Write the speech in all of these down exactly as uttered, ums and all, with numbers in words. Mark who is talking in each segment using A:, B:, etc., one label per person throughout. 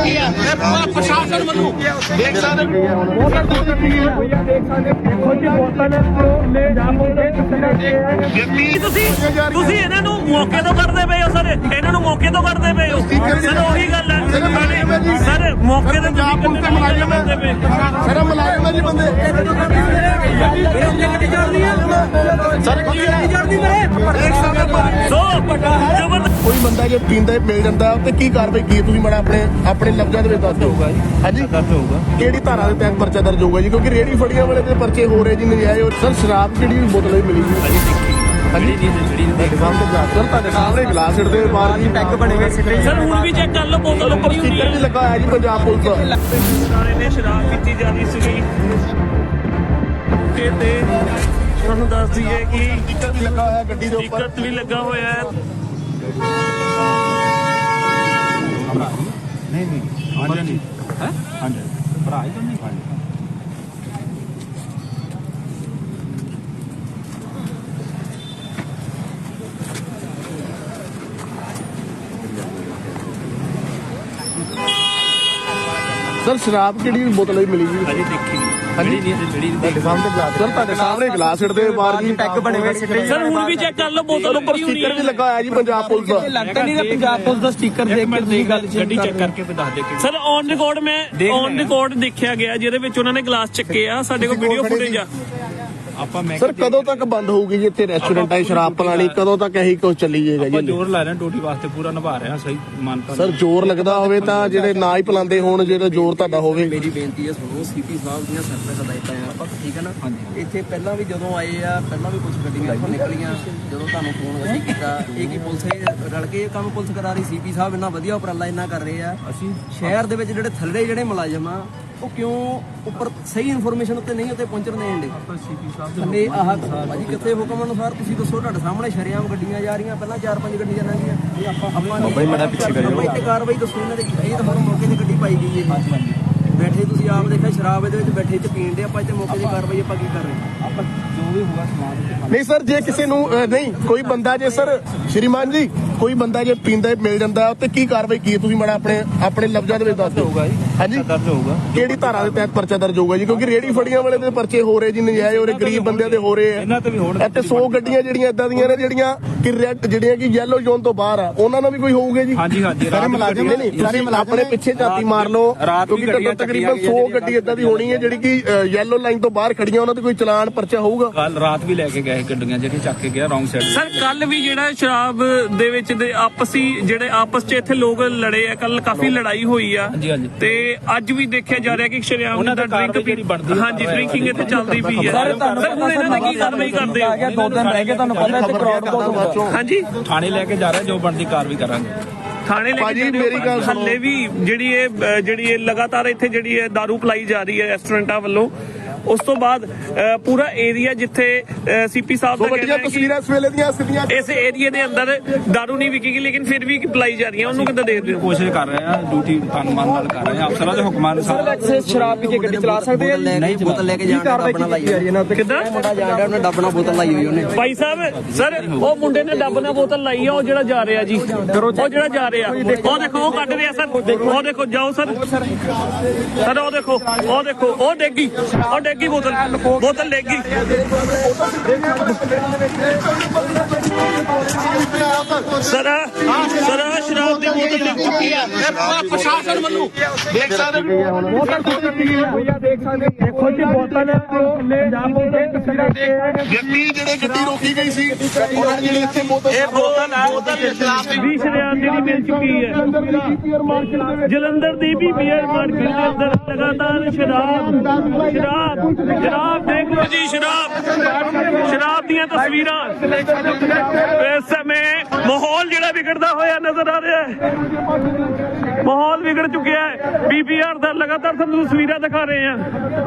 A: ਚੁੱਕੀ ਹੈ ਪ੍ਰਸ਼ਾਸਨ ਵੱਲੋਂ ਦੇਖ ਸਕਦੇ
B: ਤੁਸੀਂ ਤੁਸੀਂ ਇਹਨਾਂ ਨੂੰ ਮੌਕੇ ਤੋਂ ਕਰਦੇ ਪਏ ਹੋ ਸਰ, ਇਹਨਾਂ ਨੂੰ ਮੌਕੇ ਤੋਂ ਕਰਦੇ ਪਏ ਹੋ ਸਰ। ਉਹੀ ਗੱਲ ਹੈ ਸਰ, ਮੌਕੇ ਤੇ ਪੰਜਾਬ ਪੁਲਿਸ ਦੇ ਮੁਲਾਜ਼ਮ ਕਰਦੇ ਪਏ
A: ਸਰ, ਮੁਲਾਜ਼ਮ ਹੈ ਜੀ ਬੰਦੇ ਸਰ ਕੋਈ ਬੰਦਾ ਜੇ ਪੀਂਦਾ ਮਿਲ ਜਾਂਦਾ ਤੇ ਕੀ ਕਾਰਵਾਈ ਕੀ ਤੁਸੀਂ ਮਾੜਾ ਆਪਣੇ ਆਪਣੇ ਲਫ਼ਜ਼ਾਂ ਦੇ ਵਿੱਚ ਦੱਸ ਦਿਓ ਹਾਂਜੀ ਦਰਜ ਹੋਊਗਾ ਕਿਹੜੀ ਧਾਰਾ ਦੇ ਤਹਿਤ ਪਰਚਾ ਦਰਜ ਹੋਊਗਾ ਜੀ ਕਿਉਂਕਿ ਰੇਹੜੀ ਫੜੀਆਂ ਵਾਲੇ ਤੇ ਪਰਚੇ ਹੋ ਰਹੇ ਜੀ ਨਜਾਇਜ਼। ਸਰ ਸ਼ਰਾਬ ਕਿਹੜੀ ਬੋਤਲ ਵੀ ਮਿਲੀ ਜੀ ਹਾਂਜੀ ਤੁਹਾਡੇ ਸਾਹਮਣੇ ਗਲਾਸ ਸਰ ਤੁਹਾਡੇ ਸਾਹਮਣੇ ਗਲਾਸ ਛੱਡਦੇ ਬਾਹਰ ਜੀ ਪੈਕ ਬਣੇ ਹੋਏ
B: ਸਰ। ਹੁਣ ਵੀ ਚੈੱਕ ਕਰ ਲਓ ਬੋਤਲ ਉੱਪਰ
A: ਸਟicker ਵੀ ਲੱਗਾ ਹੋਇਆ ਜੀ ਪੰਜਾਬ ਪੁਲਿਸ ਦਾ।
B: ਨੇ ਸ਼ਰਾਬ ਪੀਤੀ ਜਾਂਦੀ ਸੀਗੀ ਤੇ ਤੁਹਾਨੂੰ ਦੱਸ ਦਈਏ ਕਿ
A: ਸਟicker ਵੀ ਲੱਗਾ ਹੋਇਆ ਗੱਡੀ ਦੇ ਉੱਪਰ
B: ਟਿਕਟ ਵੀ ਲੱਗਾ ਹੋਇਆ ਹੈ।
C: ਨਹੀਂ ਨਹੀਂ ਹਾਂਜੀ ਨਹੀਂ ਹੈ ਹਾਂਜੀ ਭਰਾ ਹੀ ਤਾਂ ਨਹੀਂ ਹਾਂਜੀ
A: ਸਰ ਸ਼ਰਾਬ ਕਿਹੜੀ ਬੋਤਲ ਵੀ ਮਿਲੀ ਜੀ
B: ਅਜੇ ਦੇਖੀ
A: ਹਾਂਜੀ ਤੁਹਾਡੇ ਸਾਹਮਣੇ ਗਲਾਸ ਸਰ ਤੁਹਾਡੇ ਸਾਹਮਣੇ ਗਲਾਸ ਛੱਡਦੇ ਬਾਹਰ ਜੀ ਪੈਕ ਬਣੇ ਹੋਏ
B: ਸਰ। ਹੁਣ ਵੀ ਚੈੱਕ ਕਰ ਲਓ ਬੋਤਲ
A: ਉੱਪਰ ਸਟicker ਵੀ ਲੱਗਾ ਹੋਇਆ ਜੀ ਪੰਜਾਬ ਪੁਲਿਸ ਦਾ।
C: ਲੱਗਦਾ ਨਹੀਂ ਪੰਜਾਬ ਪੁਲਿਸ ਦਾ ਸਟicker ਦੇਖ ਕੇ ਤੁਸੀਂ ਗੱਲ ਗੱਡੀ ਚੈੱਕ ਕਰਕੇ ਤੇ ਦੱਸ ਦੇ ਕਿ
B: ਸਰ ਔਨ ਰਿਕਾਰਡ ਮੈਂ ਔਨ ਰਿਕਾਰਡ ਦੇਖਿਆ ਗਿਆ ਜਿਹਦੇ ਵਿੱਚ ਉਹਨਾਂ ਨੇ ਗਲਾਸ ਚੱਕੇ ਆ। ਸਾਡੇ ਕੋਲ ਵੀਡੀਓ ਫੁਟੇਜ ਆ।
C: ਆਪਾਂ ਮੈਂ
A: ਸਰ ਕਦੋਂ ਤੱਕ ਬੰਦ ਹੋਊਗੀ ਜੀ ਇੱਥੇ ਰੈਸਟੋਰੈਂਟ ਹੈ ਸ਼ਰਾਬ ਪਲਾਣੀ ਕਦੋਂ ਤੱਕ ਇਹੀ ਕੁਝ ਚੱਲੀ ਜਾਏਗਾ
C: ਆਪਾਂ
A: ਜੀ?
C: ਜ਼ੋਰ ਲਾ ਰਹੇ ਹਾਂ ਡਿਊਟੀ ਵਾਸਤੇ ਪੂਰਾ ਨਿਭਾ ਰਹੇ ਹਾਂ ਸਹੀ ਮਾਨਤਾ
A: ਸਰ ਜ਼ੋਰ ਲੱਗਦਾ ਹੋਵੇ ਤਾਂ ਜਿਹੜੇ ਨਾ ਹੀ ਪਲਾਉਂਦੇ ਹੋਣ ਜਿਹੜਾ ਜ਼ੋਰ ਤੁਹਾਡਾ ਹੋਵੇ।
D: ਮੇਰੀ ਬੇਨਤੀ ਹੈ ਸੁਣੋ, ਸੀਪੀ ਸਾਹਿਬ ਦੀਆਂ ਸਰਵਿਸ ਹਦਾਇਤਾਂ ਆ ਆਪਾਂ ਠੀਕ ਹੈ ਨਾ। ਇੱਥੇ ਪਹਿਲਾਂ ਵੀ ਜਦੋਂ ਆਏ ਆ ਪਹਿਲਾਂ ਵੀ ਕੁਝ ਗੱਡੀਆਂ ਇੱਥੋਂ ਨਿਕਲੀਆਂ ਜਦੋਂ ਤੁਹਾਨੂੰ ਫੋਨ ਅਸੀਂ ਕੀਤਾ ਇਹ ਕੀ ਪੁਲਿਸ ਇਹ ਰਲ ਕੇ ਇਹ ਕੰਮ ਪੁਲਿਸ ਕਰਾ ਰਹੀ। ਸੀਪੀ ਸਾਹਿਬ ਇੰਨਾ ਵਧੀਆ ਉਪਰਾਲਾ ਇੰਨਾ ਕਰ ਰਹੇ ਆ।
C: ਅਸੀਂ
D: ਸ਼ਹਿਰ ਦੇ ਵਿੱਚ ਜਿਹੜੇ ਥੱਲੇ ਜਿਹੜੇ ਮੁਲਾਜ਼ਮ ਆ ਉਹ ਕਿਉਂ ਉੱਪਰ ਸਹੀ ਇਨਫੋਰਮੇਸ਼ਨ ਉੱਤੇ ਨਹੀਂ ਉੱਤੇ ਪਹੁੰਚਣ ਦੇਣ ਦੇ
C: ਸੀਪੀ ਸਾਹਿਬ
D: ਥੱਲੇ ਆਹ ਭਾਜੀ ਕਿੱਥੇ ਹੁਕਮ ਅਨੁਸਾਰ ਤੁਸੀਂ ਦੱਸੋ। ਤੁਹਾਡੇ ਸਾਹਮਣੇ ਸ਼ਰੇਆਮ ਗੱਡੀਆਂ ਜਾ ਰਹੀਆਂ, ਪਹਿਲਾਂ ਚਾਰ ਪੰਜ ਗੱਡੀਆਂ ਲੰਘੀਆਂ ਇਹ ਆਪਾਂ ਆਪਾਂ ਬਈ ਬੜਾ ਪਿੱਛੇ ਕਰਿਓ ਇੱਥੇ ਕਾਰਵਾਈ ਦੱਸੋ ਇਹਨਾਂ ਦੇ। ਇਹ ਤਾਂ ਹੁਣ ਮੌਕੇ ਤੇ ਗੱਡੀ ਪਾਈ ਗਈ ਹੈ ਬੈਠੇ ਤੁਸੀਂ ਆਪ ਦੇਖਿਆ ਸ਼ਰਾਬ ਇਹਦੇ ਵਿੱਚ ਬੈਠੇ ਤੇ ਪੀਣ ਦੇ ਆਪਾਂ ਇੱਥੇ ਮੌਕੇ ਦੀ ਕਾਰਵਾਈ ਆਪਾਂ ਕੀ ਕਰ ਰਹੇ ਹਾਂ।
C: ਆਪਾਂ ਜੋ ਵੀ ਹੋਗਾ ਸਮਾਨ
A: ਨਹੀਂ ਸਰ ਜੇ ਕਿਸੇ ਨੂੰ ਅਹ, ਨਹੀਂ ਕੋਈ ਬੰਦਾ ਜੇ ਸਰ ਸ਼੍ਰੀਮਾਨ ਜੀ ਕੋਈ ਬੰਦਾ ਜੇ ਪੀਂਦਾ ਮਿਲ ਜਾਂਦਾ ਤੇ ਕੀ ਕਾਰਵਾਈ ਕੀ ਤੁਸੀਂ ਮਾੜਾ ਆਪਣੇ ਆਪਣੇ ਲਫ਼ਜ਼ਾਂ ਦੇ ਵਿੱਚ ਦੱਸ ਦਿਓ ਹਾਂਜੀ
C: ਦਰਜ ਹੋਊਗਾ
A: ਕਿਹੜੀ ਧਾਰਾ ਦੇ ਤਹਿਤ ਪਰਚਾ ਦਰਜ ਹੋਊਗਾ ਜੀ ਕਿਉਂਕਿ ਰੇਹੜੀ ਫੜੀਆਂ ਵਾਲੇ ਦੇ ਪਰਚੇ ਹੋ ਰਹੇ ਜੀ ਨਜਾਇਜ਼ ਹੋ ਰਹੇ ਗਰੀਬ ਬੰਦਿਆਂ ਦੇ ਹੋ ਰਹੇ ਆ।
C: ਇਹਨਾਂ ਤੇ ਵੀ ਹੋਣ
A: ਇੱਥੇ ਸੌ ਗੱਡੀਆਂ ਜਿਹੜੀਆਂ ਇਦਾਂ ਦੀਆਂ ਨੇ ਜਿਹੜੀਆਂ ਕਿ ਰੈੱਡ ਜਿਹੜੀਆਂ ਕਿ ਯੈਲੋ ਜ਼ੋਨ ਤੋਂ ਬਾਹਰ ਆ ਉਹਨਾਂ ਨਾਲ ਵੀ ਕੋਈ ਹੋਊਗਾ ਜੀ?
C: ਹਾਂਜੀ ਹਾਂਜੀ
A: ਸਾਰੇ ਮੁਲਾਜ਼ਮ ਨਹੀਂ ਸਾਰੇ ਆਪਣੇ ਪਿੱਛੇ ਝਾਤੀ ਮਾਰ ਲਓ ਕਿਉਂਕਿ ਤਕਰੀਬਨ ਸੌ ਗੱਡੀ ਇਦਾਂ ਦੀ ਹੋਣੀ ਹੈ ਜਿਹੜੀ ਕਿ ਯੈਲੋ ਲਾਈਨ ਤੋਂ ਬਾਹਰ ਖੜੀਆਂ ਉਹਨਾਂ ਤੇ ਕੋਈ ਚਲਾਨ ਪਰਚਾ ਹੋਊਗਾ।
C: ਕੱਲ ਰਾਤ ਵੀ ਲੈ ਕੇ ਗਏ ਗੱਡੀਆਂ ਜਿਹੜੀ ਚੱਕ ਕੇ ਗਿਆ ਰੌਂਗ ਸਾਈਡ।
B: ਸਰ ਕੱਲ ਵੀ ਜਿਹੜਾ ਸ਼ਰਾਬ ਦੇ ਵਿੱਚ ਦੇ ਆਪਸੀ ਜਿਹੜੇ ਆਪਸ 'ਚ ਇੱਥੇ ਲੋਕ ਲੜੇ ਆ, ਕੱਲ ਕਾਫੀ ਲੜਾਈ ਹੋਈ ਆ
C: ਹਾਂਜੀ ਹਾਂਜੀ
B: ਤੇ ਅੱਜ ਵੀ ਦੇਖਿਆ ਜਾ ਰਿਹਾ ਕਿ ਸ਼ਰਿਆਮ ਦਾ ਡਰਿੰਕ ਹਾਂਜੀ ਡਰਿੰਕਿੰਗ ਇੱਥੇ ਚੱਲਦੀ ਪਈ ਹੈ। ਸਰ ਹੁਣ ਇਹਨਾਂ ਨੇ ਕੀ ਕਾਰਵਾਈ ਕਰਦੇ ਹੋ?
C: ਦੋ ਦਿਨ ਰਹਿ ਗਏ ਤੁਹਾਨੂੰ ਪਤਾ ਇੱਥੇ ਕਰਾਉਡ ਬਹੁਤ
B: ਹਾਂਜੀ
C: ਥਾਣੇ ਲੈ ਕੇ ਜਾ ਰਹੇ ਜੋ ਬਣਦੀ ਕਾਰਵਾਈ ਕਰਾਂਗੇ।
B: ਥਾਣੇ ਲੈ ਕੇ ਮੇਰੀ ਗੱਲ ਹੱਲੇ ਵੀ ਜਿਹੜੀ ਇਹ ਜਿਹੜੀ ਇਹ ਲਗਾਤਾਰ ਇੱਥੇ ਜਿਹੜੀ ਹੈ ਦਾਰੂ ਪਲਾਈ ਜਾ ਰਹੀ ਹੈ ਰੈਸਟੋਰੈਂਟਾਂ ਵੱਲੋਂ। ਉਸ ਤੋਂ ਬਾਅਦ ਪੂਰਾ ਏਰੀਆ ਜਿੱਥੇ ਸੀਪੀ ਸਾਹਿਬ ਦਾ
A: ਵੱਡੀਆਂ ਤਸਵੀਰਾਂ ਇਸ ਵੇਲੇ ਦੀਆਂ ਸਿੱਧੀਆਂ
B: ਇਸ ਏਰੀਆ ਦੇ ਅੰਦਰ ਦਾਰੂ ਨਹੀਂ ਵਿਕੇਗੀ ਲੇਕਿਨ ਫਿਰ ਵੀ ਪਲਾਈ ਜਾ ਰਹੀ ਹੈ ਉਹਨੂੰ ਕਿੱਦਾਂ ਦੇਖਦੇ ਹੋ?
C: ਕੋਸ਼ਿਸ਼ ਕਰ ਰਹੇ ਆ ਡਿਊਟੀ ਤਨਮਾਨ ਨਾਲ ਕਰ ਰਹੇ ਆ ਅਫਸਰਾਂ ਦੇ ਹੁਕਮਾਂ ਅਨੁਸਾਰ।
D: ਸ਼ਰਾਬ ਪੀ ਕੇ ਗੱਡੀ ਚਲਾ ਸਕਦੇ ਆ ਨਹੀਂ ਬੋਤਲ ਲੈ ਕੇ ਜਾਣ ਦਾ ਡੱਬਣਾ ਲਾਈ ਹੋਈ
B: ਕਿੱਦਾਂ
D: ਮੁੰਡਾ ਜਾਣ ਡਿਆ ਉਹਨੇ ਡੱਬਣਾ ਬੋਤਲ ਲਾਈ ਹੋਈ ਉਹਨੇ।
B: ਭਾਈ ਸਾਹਿਬ ਸਰ ਉਹ ਮੁੰਡੇ ਨੇ ਡੱਬ ਨਾਲ ਬੋਤਲ ਲਾਈ ਆ ਉਹ ਜਿਹੜਾ ਜਾ ਰਿਹਾ ਜੀ ਉਹ ਜਿਹੜਾ ਜਾ ਰਿਹਾ ਉਹ ਦੇਖੋ ਉਹ ਕੱਢ ਰਿਹਾ ਸਰ ਉਹ ਦੇਖੋ ਜਾਓ ਸਰ ਸਰ ਉਹ ਦੇਖੋ ਉਹ ਦੇਖੋ ਉਹ ਡੇਗੀ ਉਹ ਡੇਗੀ ਬੋਤਲ ਬੋਤਲ ਡੇਗੀ। ਸਰ ਸਰ ਸ਼ਰਾਬ ਦੀ ਬੋਤਲ ਡਿੱਗ ਚੁੱਕੀ ਹੈ ਪ੍ਰਸ਼ਾਸਨ ਵੱਲੋਂ ਦੇਖ ਸਕਦੇ
A: ਦੇਖੋ ਜੀ ਬੋਤਲ ਗੱਡੀ ਜਿਹੜੇ ਗੱਡੀ ਰੋਕੀ ਗਈ ਸੀ ਉਹਨਾਂ ਨੇ ਜਿਹੜੇ ਇੱਥੇ ਬੋਤਲ
B: ਇਹ ਬੋਤਲ ਹੈ ਬੋਤਲ ਸ਼ਰਾਬ ਦੀ ਸ਼ਰਿਆਮ ਜਿਹੜੀ ਮਿਲ ਚੁੱਕੀ ਹੈ ਜਲੰਧਰ ਦੀ ਵੀ ਬੀਅਰ ਮਾਰਕੀਟ ਦੇ ਅੰਦਰ ਲਗਾਤਾਰ ਸ਼ਰਾਬ ਸ਼ਰਾਬ ਸ਼ਰਾਬ ਦੇਖ ਲਓ ਜੀ ਸ਼ਰਾਬ ਸ਼ਰਾਬ ਦੀਆਂ ਤਸਵੀਰਾਂ। ਇਸ ਸਮੇਂ ਮਾਹੌਲ ਜਿਹੜਾ ਵਿਗੜਦਾ ਹੋਇਆ ਨਜ਼ਰ ਆ ਰਿਹਾ ਹੈ ਮਾਹੌਲ ਵਿਗੜ ਚੁੱਕਿਆ ਹੈ। ਪੀਪੀਆਰ ਦਾ ਲਗਾਤਾਰ ਤੁਹਾਨੂੰ ਤਸਵੀਰਾਂ ਦਿਖਾ ਰਹੇ ਹਾਂ।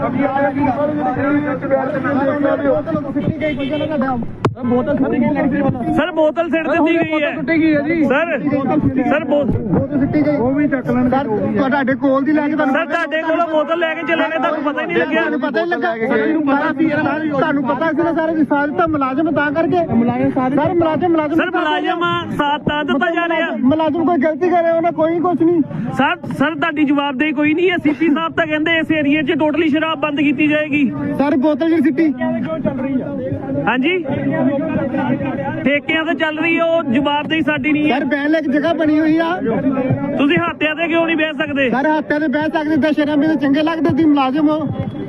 B: ਸਰ ਬੋਤਲ ਸਿੱਟ ਦਿੱਤੀ ਗਈ ਹੈ ਸਰ ਸਰ
A: ਉਹ ਵੀ ਚੱਕ ਲੈਣ ਤੁਹਾਡੇ ਕੋਲ ਦੀ ਲੈ ਕੇ
B: ਸਰ ਤੁਹਾਡੇ ਕੋਲੋਂ ਬੋਤਲ ਲੈ ਕੇ ਚਲੇ ਗਏ ਤੁਹਾਨੂੰ ਪਤਾ ਹੀ ਨਹੀਂ ਲੱਗਿਆ?
A: ਪਤਾ ਹੀ ਲੱਗਾ ਤੁਹਾਨੂੰ ਪਤਾ ਸੀ ਨਾ ਸਾਰੇ ਸਾਰੇ ਤਾਂ ਮੁਲਾਜ਼ਮ ਤਾਂ ਕਰਕੇ ਮੁਲਾਜ਼ਮ ਸਾਰੇ
E: ਸਰ ਮੁਲਾਜ਼ਮ ਮੁਲਾਜ਼ਮ
B: ਸਰ ਮੁਲਾਜ਼ਮ ਸਾਥ ਤਾਂ ਦਿੱਤਾ ਜਾ ਰਿਹਾ।
E: ਮੁਲਾਜ਼ਮ ਕੋਈ ਗਲਤੀ ਕਰੇ ਉਹਨੇ ਕੋਈ ਕੁਝ ਨਹੀਂ।
B: ਸਰ ਸਰ ਤੁਹਾਡੀ ਜਵਾਬਦੇਹੀ ਕੋਈ ਨਹੀਂ ਹੈ। ਸੀਪੀ ਸਾਹਿਬ ਤਾਂ ਕਹਿੰਦੇ ਇਸ ਏਰੀਏ 'ਚ ਟੋਟਲੀ ਸ਼ਰਾਬ ਬੰਦ ਕੀਤੀ ਜਾਏਗੀ।
E: ਸਰ ਬੋਤਲ ਜਿਹੜੀ ਸਿੱਟੀ
B: ਹਾਂਜੀ ਠੇਕਿਆਂ ਤੇ ਚੱਲ ਰਹੀ ਹੈ, ਉਹ ਜਵਾਬਦੇਹੀ ਸਾਡੀ ਨਹੀਂ ਹੈ।
E: ਸਰ ਬਹਿਣ ਲਈ ਇੱਕ ਜਗ੍ਹਾ ਬਣੀ ਹੋਈ ਆ।
B: ਤੁਸੀਂ ਹੱਥਿਆਂ ਤੇ ਕਿਉਂ ਨਹੀਂ ਬਹਿ ਸਕਦੇ?
E: ਸਰ ਹੱਥਾਂ ਤੇ ਬਹਿ ਸਕਦੇ ਤਾਂ ਸ਼ਰਮ ਵੀ ਚੰਗੇ ਲੱਗਦੇ। ਤੁਸੀਂ ਮੁਲਾਜ਼ਮ ਹੋ,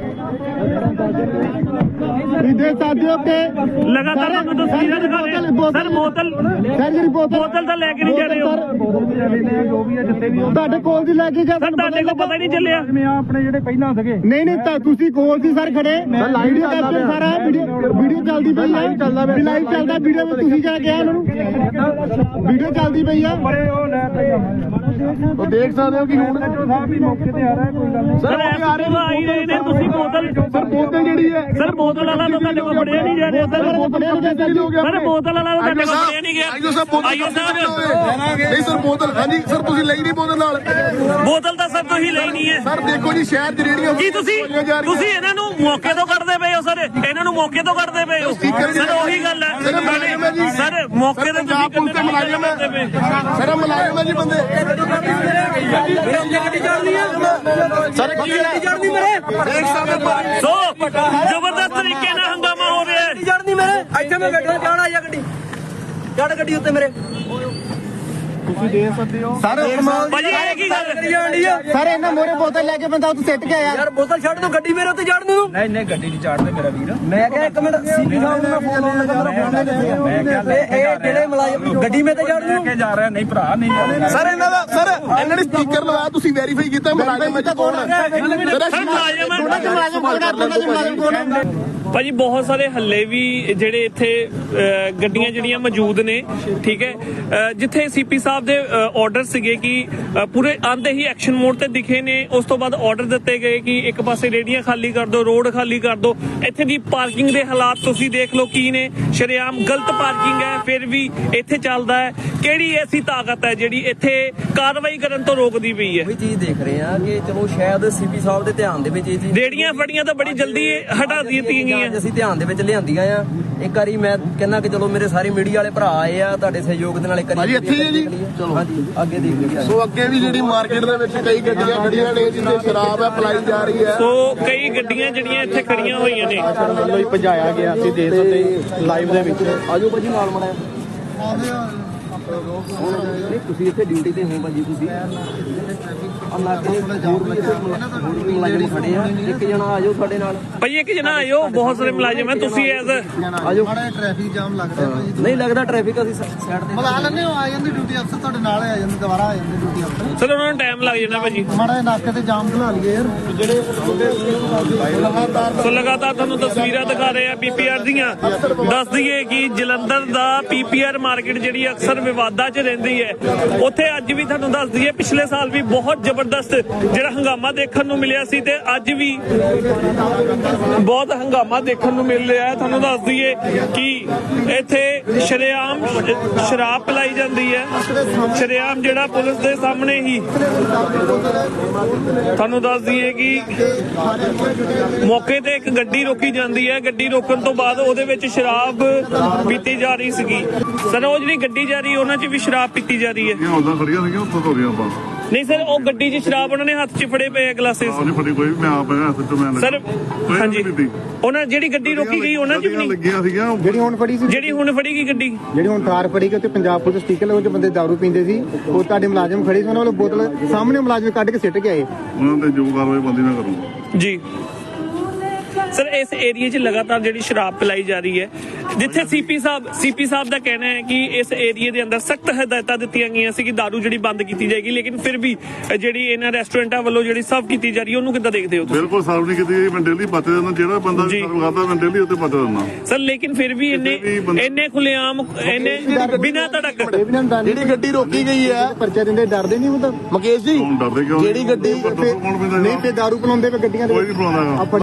E: ਇਹਦੇ ਸਾਥੀਓ ਕੇ
B: ਲਗਾਤਾਰ ਤੁਹਾਨੂੰ ਤਸਵੀਰਾਂ ਦਿਖਾ ਰਹੇ ਸਰ। ਬੋਤਲ
E: ਸਰ ਜਿਹੜੀ ਬੋਤਲ
B: ਬੋਤਲ ਤਾਂ ਲੈ ਕੇ ਨਹੀਂ ਜਾ ਰਹੇ ਹੋ।
E: ਤੁਹਾਡੇ ਕੋਲ ਦੀ ਲੈ ਕੇ ਗਿਆ
B: ਸਰ ਤੁਹਾਡੇ ਕੋਲ ਪਤਾ ਹੀ ਨਹੀਂ ਚੱਲਿਆ।
E: ਆਪਣੇ ਜਿਹੜੇ ਪਹਿਲਾਂ ਸੀਗੇ ਨਹੀਂ ਨਹੀਂ ਤਾਂ ਤੁਸੀਂ ਕੋਲ ਸੀ ਸਰ ਖੜੇ। ਵੀਡੀਓ ਕਰਦੇ ਸਾਰਾ ਵੀਡੀਓ ਵੀਡੀਓ ਚੱਲਦੀ ਪਈ ਆ। ਲਾਈਵ ਚੱਲਦਾ ਵੀਡੀਓ ਵਿੱਚ ਤੁਸੀਂ ਕਿਹਾ ਗਿਆ ਉਹਨਾਂ ਨੂੰ ਵੀਡੀਓ ਚੱਲਦੀ ਪਈ ਆ।
A: ਉਹ ਦੇਖ ਸਕਦੇ ਹੋ ਕਿ ਹੁਣ
B: ਸਰ ਆ ਹੀ ਰਹੇ ਨੇ। ਤੁਸੀਂ ਬੋਤਲ
A: ਸਰ ਬੋਤਲ ਜਿਹੜੀ ਹੈ
B: ਸਰ ਬੋਤਲ ਵਾਲਾ ਤਾਂ ਤੁਹਾਡੇ ਕੋਲ ਫੜਿਆ ਨਹੀਂ ਜਾ ਰਿਹਾ। ਸਰ ਸਰ ਬੋਤਲ ਵਾਲਾ ਤਾਂ ਤੁਹਾਡੇ ਕੋਲ ਫੜਿਆ ਨਹੀਂ ਗਿਆ।
A: ਆਈਓ ਸਾਹਿਬ ਬੋਤਲ
B: ਆਈਓ ਸਾਹਿਬ
A: ਨਹੀਂ ਸਰ ਬੋਤਲ ਹਾਂਜੀ ਸਰ ਤੁਸੀਂ ਲਈ ਨਹੀਂ ਬੋਤਲ ਨਾਲ।
B: ਬੋਤਲ ਤਾਂ ਸਰ ਤੁਸੀਂ ਲਈ ਨਹੀਂ ਹੈ।
A: ਸਰ ਦੇਖੋ ਜੀ ਸ਼ਹਿਰ ਚ ਰੇੜੀਆਂ
B: ਕੀ ਤੁਸੀਂ ਤੁਸੀਂ ਇਹਨਾਂ ਨੂੰ ਮੌਕੇ ਤੋਂ ਕੱਢਦੇ ਪਏ ਹੋ? ਸਰ ਇਹਨਾਂ ਨੂੰ ਮੌਕੇ ਤੋਂ ਕੱਢਦੇ ਪਏ ਹੋ। ਸਰ ਉਹੀ ਗੱਲ ਹੈ ਸਰ ਮੌਕੇ ਤੇ
A: ਪੰਜਾਬ ਪੁਲਿਸ ਦੇ ਮੁਲਾਜ਼ਮ ਹੈ। ਸਰ ਮੁਲਾਜ਼ਮ ਹੈ ਜੀ ਬੰਦੇ। ਸਰ ਕੀ ਦੇਖ ਸਕਦੇ
B: ਸੋ ਜ਼ਬਰਦਸਤ ਤਰੀਕੇ ਨਾਲ ਹੰਗਾਮਾ ਹੋ ਰਿਹਾ ਹੈ।
D: ਚੜਨੀ ਮੇਰੇ ਇੱਥੇ ਮੈਂ ਬੈਠਾ ਜਾਣਾ ਆ ਗੱਡੀ ਚੜ ਗੱਡੀ ਉੱਤੇ ਮੇਰੇ
E: ਸਰ
B: ਭਾਜੀ ਇਹ ਕੀ ਗੱਲ
D: ਕਰੀ ਜਾਂਦੀ ਆ
E: ਸਰ ਇਹਨਾਂ ਮੋਰੇ ਬੋਤਲ ਲੈ ਕੇ ਬੰਦਾ ਉੱਥੇ ਸਿੱਟ ਕੇ ਆਇਆ।
D: ਯਾਰ ਬੋਤਲ ਛੱਡ ਦੋ ਗੱਡੀ ਮੇਰੇ ਉੱਤੇ ਚੜਨ ਨੂੰ।
C: ਨਹੀਂ ਨਹੀਂ ਗੱਡੀ ਨਹੀਂ ਚਾੜਦੇ ਮੇਰਾ ਵੀਰ।
D: ਮੈਂ ਕਿਹਾ ਇੱਕ ਮਿੰਟ ਸੀਪੀ ਸਾਹਿਬ ਨੂੰ ਮੈਂ ਫੋਨ ਲਾਉਣ ਲੱਗਾ ਮੇਰਾ ਫੋਨ ਨਹੀਂ ਦੱਸਿਆ। ਇਹ ਜਿਹੜੇ ਮੁਲਾਜ਼ਮ ਗੱਡੀ ਮੇਰੇ ਤੇ ਚੜਨ ਨੂੰ
C: ਕੇ ਜਾ ਰਿਹਾ ਨਹੀਂ ਭਰਾ ਨਹੀਂ।
A: ਸਰ ਇਹਨਾਂ ਦਾ ਸਰ ਇਹਨਾਂ ਨੇ ਸਪੀਕਰ ਲਵਾਇਆ ਤੁਸੀਂ ਵੈਰੀਫਾਈ ਕੀਤਾ ਮੁਲਾਜ਼ਮ ਵਿੱਚ ਕੌਣ ਹੈ?
B: ਸਰ ਮੁਲਾਜ਼ਮ
E: ਮੁਲਾਜ਼ਮ ਕੌਣ ਹੈ?
B: ਭਾਜੀ ਬਹੁਤ ਸਾਰੇ ਹੱਲੇ ਵੀ ਜਿਹੜੇ ਇੱਥੇ ਅਹ, ਗੱਡੀਆਂ ਜਿਹੜੀਆਂ ਮੌਜੂਦ ਨੇ ਠੀਕ ਹੈ ਅਹ, ਜਿੱਥੇ ਸੀਪੀ ਸਾਹਿਬ ਦੇ ਆਰਡਰ ਸੀਗੇ ਕਿ ਅਹ, ਪੂਰੇ ਆਂਦੇ ਹੀ ਐਕਸ਼ਨ ਮੋਡ ਤੇ ਦਿਖੇ ਨੇ। ਉਸ ਤੋਂ ਬਾਅਦ ਆਰਡਰ ਦਿੱਤੇ ਗਏ ਕਿ ਇੱਕ ਪਾਸੇ ਰੇੜੀਆਂ ਖਾਲੀ ਕਰ ਦਿਓ, ਰੋਡ ਖਾਲੀ ਕਰ ਦਿਓ। ਇੱਥੇ ਦੀ ਪਾਰਕਿੰਗ ਦੇ ਹਾਲਾਤ ਤੁਸੀਂ ਦੇਖ ਲਓ ਕੀ ਨੇ। ਸ਼ਰੇਆਮ ਗਲਤ ਪਾਰਕਿੰਗ ਹੈ ਫਿਰ ਵੀ ਇੱਥੇ ਚੱਲਦਾ ਹੈ। ਕਿਹੜੀ ਐਸੀ ਤਾਕਤ ਹੈ ਜਿਹੜੀ ਇੱਥੇ ਕਾਰਵਾਈ ਕਰਨ ਤੋਂ ਰੋਕਦੀ ਪਈ ਹੈ?
D: ਉਹੀ ਚੀਜ਼ ਦੇਖ ਰਹੇ ਆ ਕਿ ਚਲੋ ਸ਼ਾਇਦ ਸੀਪੀ ਸਾਹਿਬ ਦੇ ਧਿਆਨ ਦੇ ਵਿੱਚ ਇਹ ਚੀਜ਼
B: ਰੇੜੀਆਂ ਫੜੀਆਂ ਤਾਂ ਬੜੀ ਜਲਦੀ ਹਟਾ ਦਿੱਤੀਆਂ ਗਈਆਂ।
D: ਅੱਜ ਅਸੀਂ ਧਿਆਨ ਦੇ ਵਿੱਚ ਲਿਆਂਦੀਆਂ ਆ। ਇੱਕ ਵਾਰੀ ਮੈਂ ਕਹਿੰਦਾ ਕਿ ਚਲੋ ਮੇਰੇ ਸਾਰੇ ਮੀਡੀਆ ਵਾਲੇ ਭਰਾ ਆਏ ਆ ਤੁਹਾਡੇ ਸਹਿਯੋਗ ਦੇ ਨਾਲ ਇੱਕ ਵਾਰੀ
A: ਭਾਜੀ ਇੱਥੇ ਹੀ ਹੈ ਜੀ। ਚਲੋ
D: ਹਾਂਜੀ ਅੱਗੇ ਦੇਖ ਲਈਏ।
A: ਸੋ ਅੱਗੇ ਵੀ ਜਿਹੜੀ ਮਾਰਕੀਟ ਦੇ ਵਿੱਚ ਕਈ ਗੱਡੀਆਂ ਖੜੀਆਂ ਨੇ ਜਿੱਥੇ ਸ਼ਰਾਬ ਹੈ ਪਲਾਈ ਜਾ ਰਹੀ ਹੈ।
B: ਸੋ ਕਈ ਗੱਡੀਆਂ ਜਿਹੜੀਆਂ ਇੱਥੇ ਖੜੀਆਂ ਹੋਈਆਂ ਨੇ।
E: ਵੱਲੋਂ ਹੀ ਭਜਾਇਆ ਗਿਆ ਸੀ ਦੇਖ ਸਕਦੇ ਲਾਈਵ ਦੇ ਵਿੱਚ।
D: ਆਜੋ ਭਾਜੀ ਨਾਲ ਮੜਾਇਆ ਨਹੀਂ ਤੁਸੀਂ ਇੱਥੇ ਡਿਊਟੀ ਤੇ ਹੋ ਭਾਜੀ। ਤੁਸੀਂ ਨਾਕੇ ਹੋਰ ਵੀ ਇੱਥੇ ਮੁਲਾਜ਼ਮ ਖੜੇ ਆ। ਇੱਕ ਜਣਾ ਆਜੋ ਸਾਡੇ ਨਾਲ।
B: ਭਾਈ ਇੱਕ ਜਣਾ ਆਇਓ ਬਹੁਤ ਸਾਰੇ ਮੁਲਾਜ਼ਮ ਹੈ। ਤੁਸੀਂ ਐਜ਼
D: ਆਜੋ
E: ਟ੍ਰੈਫਿਕ ਜਾਮ ਲੱਗਦਾ ਭਾਜੀ।
D: ਨਹੀਂ ਲੱਗਦਾ ਟ੍ਰੈਫਿਕ ਅਸੀਂ ਸਾਈਡ ਤੇ
E: ਬੁਲਾ ਲੈਂਦੇ ਹੋ ਆ ਜਾਂਦੇ ਡਿਊਟੀ ਅਫਸਰ ਤੁਹਾਡੇ ਨਾਲ ਆ ਜਾਂਦੇ ਦੁਬਾਰਾ ਆ ਜਾਂਦੇ ਡਿਊਟੀ ਅਫਸਰ।
B: ਸਰ ਉਹਨਾਂ ਨੂੰ ਟਾਈਮ ਲੱਗ ਜਾਣਾ ਭਾਜੀ।
E: ਮਾੜਾ ਜਿਹਾ ਨਾਕੇ ਤੇ ਜਾਮ ਬਣਾ ਲਈਏ ਯਾਰ ਜਿਹੜੇ
B: ਸੋ ਲਗਾਤਾਰ ਤੁਹਾਨੂੰ ਤਸਵੀਰਾਂ ਦਿਖਾ ਰਹੇ ਆ ਪੀਪੀਆਰ ਦੀਆਂ। ਦੱਸ ਦਈਏ ਕਿ ਜਲੰਧਰ ਦਾ ਪੀਪੀਆਰ ਮਾਰਕੀਟ ਜਿਹੜੀ ਅਕਸਰ ਵਿਵਾਦਾਂ 'ਚ ਰਹਿੰਦੀ ਹੈ। ਉੱਥੇ ਅੱਜ ਵੀ ਤੁਹਾਨੂੰ ਦੱਸ ਦਈਏ ਪਿਛਲੇ ਸਾਲ ਵੀ ਬਹੁਤ ਜ਼ਬਰਦਸਤ ਜਿਹੜਾ ਹੰਗਾਮਾ ਦੇਖਣ ਨੂੰ ਮਿਲਿਆ ਸੀ ਤੇ ਅੱਜ ਵੀ ਬਹੁਤ ਹੰਗਾਮਾ ਦੇਖਣ ਨੂੰ ਮਿਲ ਰਿਹਾ ਹੈ। ਤੁਹਾਨੂੰ ਦੱਸ ਦਈਏ ਕਿ ਇੱਥੇ ਸ਼ਰੇਆਮ ਸ਼ਰਾਬ ਪਿਲਾਈ ਜਾਂਦੀ ਹੈ। ਸ਼ਰੇਆਮ ਜਿਹੜਾ ਪੁਲਿਸ ਦੇ ਸਾਹਮਣੇ ਹੀ ਤੁਹਾਨੂੰ ਦੱਸ ਦਈਏ ਕਿ ਮੌਕੇ ਤੇ ਇੱਕ ਗੱਡੀ ਰੋਕੀ ਜਾਂਦੀ ਹੈ। ਗੱਡੀ ਰੋਕਣ ਤੋਂ ਬਾਅਦ ਉਹਦੇ ਵਿੱਚ ਸ਼ਰਾਬ ਪੀਤੀ ਜਾ ਰਹੀ ਸੀਗੀ। ਸਰ ਉਹ ਜਿਹੜੀ ਗੱਡੀ ਜਾ ਰਹੀ ਉਹਨਾਂ 'ਚ ਵੀ ਸ਼ਰਾਬ ਪੀਤੀ ਜਾ ਰਹੀ ਹੈ।
F: ਉਦਾਂ ਖੜੀਆਂ ਸੀਗੀਆਂ ਉੱਥੋਂ ਤੋਂ ਗਏ ਆਪਾਂ।
B: ਨਹੀਂ ਸਰ ਉਹ ਗੱਡੀ 'ਚ ਸ਼ਰਾਬ ਉਹਨਾਂ ਨੇ ਹੱਥ 'ਚ ਫੜੇ ਪਏ ਗਲਾਸਿਸ।
F: ਆਹ ਨਹੀਂ ਫੜੀ ਕੋਈ ਵੀ, ਮੈਂ ਆਪ ਹੈਗਾ ਹੱਥ ਤੋਂ ਮੈਂ
B: ਸਰ ਹਾਂਜੀ ਉਹਨਾਂ ਜਿਹੜੀ ਗੱਡੀ ਰੋਕੀ ਗਈ ਉਹਨਾਂ 'ਚ ਵੀ ਨਹੀਂ।
F: ਲੱਗੀਆਂ ਸੀਗੀਆਂ
E: ਜਿਹੜੀ ਹੁਣ ਫੜੀ ਸੀ
B: ਜਿਹੜੀ ਹੁਣ ਫੜੀ ਗਈ ਗੱਡੀ
E: ਜਿਹੜੀ ਹੁਣ ਕਾਰ ਫੜੀ ਕਿ ਉੱਤੇ ਪੰਜਾਬ ਪੁਲਿਸ ਸਟicker ਉਹ 'ਚ ਬੰਦੇ ਦਾਰੂ ਪੀਂਦੇ ਸੀ। ਉਹ ਤੁਹਾਡੇ ਮੁਲਾਜ਼ਮ ਖੜੇ ਸੀ ਉਹਨਾਂ ਵੱਲੋਂ ਬੋਤਲ ਸਾਹਮਣੇ ਮੁਲਾਜ਼ਮ ਕੱਢ ਕੇ ਸਿੱਟ ਕੇ ਆਏ।
F: ਉਹਨਾਂ ਤੇ ਜੋ ਕਾਰਵਾਈ ਬੰਦੀ ਨਾ ਕਰੂੰ
B: ਜੀ। ਸਰ ਇਸ ਏਰੀਏ 'ਚ ਲਗਾਤਾਰ ਜਿਹੜੀ ਸ਼ਰਾਬ ਪਿਲਾਈ ਜਾ ਰਹੀ ਹੈ ਜਿੱਥੇ ਸੀਪੀ ਸਾਹਿਬ ਸੀਪੀ ਸਾਹਿਬ ਦਾ ਕਹਿਣਾ ਹੈ ਕਿ ਇਸ ਏਰੀਏ ਦੇ ਅੰਦਰ ਸਖਤ ਹਦਾਇਤਾਂ ਦਿੱਤੀਆਂ ਗਈਆਂ ਸੀ ਕਿ ਦਾਰੂ ਜਿਹੜੀ ਬੰਦ ਕੀਤੀ ਜਾਏਗੀ ਲੇਕਿਨ ਫਿਰ ਵੀ ਜਿਹੜੀ ਇਹਨਾਂ ਰੈਸਟੋਰੈਂਟਾਂ ਵੱਲੋਂ ਜਿਹੜੀ ਸਰਵ ਕੀਤੀ ਜਾ ਰਹੀ ਹੈ ਉਹਨੂੰ ਕਿੱਦਾਂ ਦੇਖਦੇ ਹੋ ਤੁਸੀਂ?
F: ਬਿਲਕੁਲ ਸਰਵ ਨਹੀਂ ਕੀਤੀ ਮੈਂ ਡੇਲੀ ਪੱਤੇ ਦਿੰਦਾ। ਜਿਹੜਾ ਬੰਦਾ ਸਰਵ ਕਰਦਾ ਮੈਂ ਡੇਲੀ ਉੱਤੇ ਪੱਤੇ ਦਿੰਦਾ।
B: ਸਰ ਲੇਕਿਨ ਫਿਰ ਵੀ ਇੰਨੇ ਇੰਨੇ ਖੁੱਲੇਆਮ ਇੰਨੇ ਬਿਨਾਂ ਧੜਕ
A: ਜਿਹੜੀ ਗੱਡੀ ਰੋਕੀ ਗਈ ਹੈ
E: ਪਰਚਾ ਦਿੰਦੇ ਡਰਦੇ ਨਹੀਂ ਮਤਲਬ
A: ਮੁਕੇਸ਼ ਜੀ
F: ਹੁਣ ਡਰਦੇ ਕਿਉਂ?
A: ਜਿਹੜੀ ਗੱਡੀ
F: ਕੌਣ ਪੈਂਦਾ
E: ਨਹੀਂ ਤੇ ਦਾਰੂ ਪਿਲਾਉਂਦੇ ਵੇ ਗੱਡੀਆਂ ਦੇ
F: ਕੋਈ ਨਹੀਂ ਬੁਲਾਉਂਦਾ।